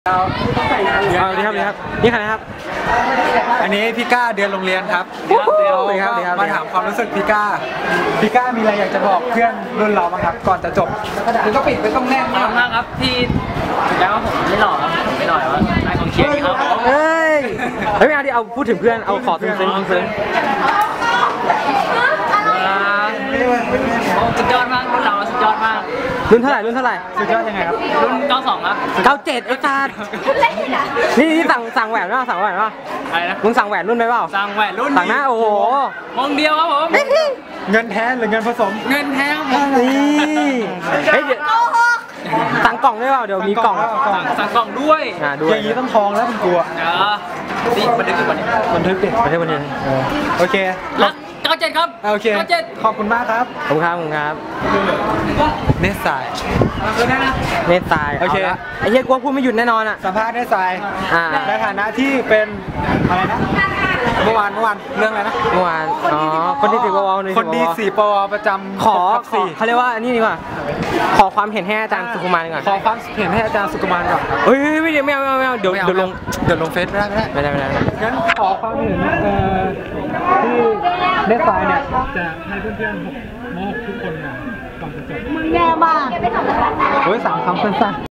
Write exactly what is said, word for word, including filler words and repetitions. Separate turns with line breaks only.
สวัสดีครับนี่ครับนี่ใครนะครับ
อันนี้พี่ก้าเดือนโรงเรียนครับ
สวัสดีครับ
มาถามความรู้สึกพี่ก้าพี่ก้ามีอะไรอยากจะบอกเพื่อนรุ่นเราบ้างครับก่อนจะจบมันก็ปิดไปต้องแน่น
ขอบคุณมากครับที่ถึงแม้ว่าผมไม่หล่อครับผมไม่หล่อแต่ว่านายกองเชียร์ดีครับ
เฮ้ยเฮ้ยไม่เอาดิเอาพูดถึงเพื่อนเอาขอซึ้งซึ้งซึ้ง
สุดยอดมากรุ่นเราสุดยอดมาก
รุ่นเท่าไหร่รุ่นเท่าไหร่
สุดยอดยังไงครับ
รุ่นเก้าสองครับ
เก้าเจ็ดไอ้สัสนี่นี่สั่งสั่งแหวนป่ะสั่งแหวนป่ะ
อะไรนะ
มึงสั่งแหวนรุ่นไหมเปล่า
สั่งแหวนรุ่น
สั่งหน้าโอ้โห
มองเดียวครับผม
เงินแท้หรือเงินผสม
เงินแท้ครับผม
นี่เฮ้ยเดี๋ยวสั่งกล่องได้เปล่าเดี๋ยวมีกล่อง
สั่งสั่งกล่องด้วย
อ่าด้ว
อย ย่างนี้ต้องทองแล้วคุณกลัว
เออนี่บันทึกอยู่วันนี้
บันทึกดิ
ประเทศวันนี้
โอเค
รักเก้าเจ็ดครับ
โอเค
เก้าเจ็ด
ขอบคุณมากครับ
ขอบคุณครับขอบคุณครับ
เนสสาย
คือได้นะ
เนตตาย
โอเค
าละไอ้เหี้ยกูว่าพูดไม่หยุดแน่นอนอ่ะ
สัมภาษณ์เนสสาย
อ่า
ในฐานะที่เป็นอะไรนะเมื่อวานเมื่อวานเรื่องอะไรนะ
เมื่อวานอ๋อคนดีสี่ปว
คนดีสี่ปวประจำ
ขอ
ทับ
ขอ
สี่
เขาเรียกว่าอันนี้ดีกว่าขอความเห็นให้อาจารย์สุขุมารก่อน
ขอความเห็นให้อาจารย์สุกุมารก่อน
เฮ้ยไม่เดี๋ยวไม่เอาไม่เอาไม่เอาเดี๋ยว
ไม่เอา
เดี๋ยวลง
เดี๋ยวลงเฟซไม่ได้ไม่ได้
ไม่ได้ไม่ได้ไม่ได้
งั้นขอความเห็นเอ่อที่เนสสายเนี่ยจะให้เพื่อนๆมอบทุกคนเนี่ยก่อนจะจบ
มึงแย่มาก
โอ้ยสามคำสั้นๆ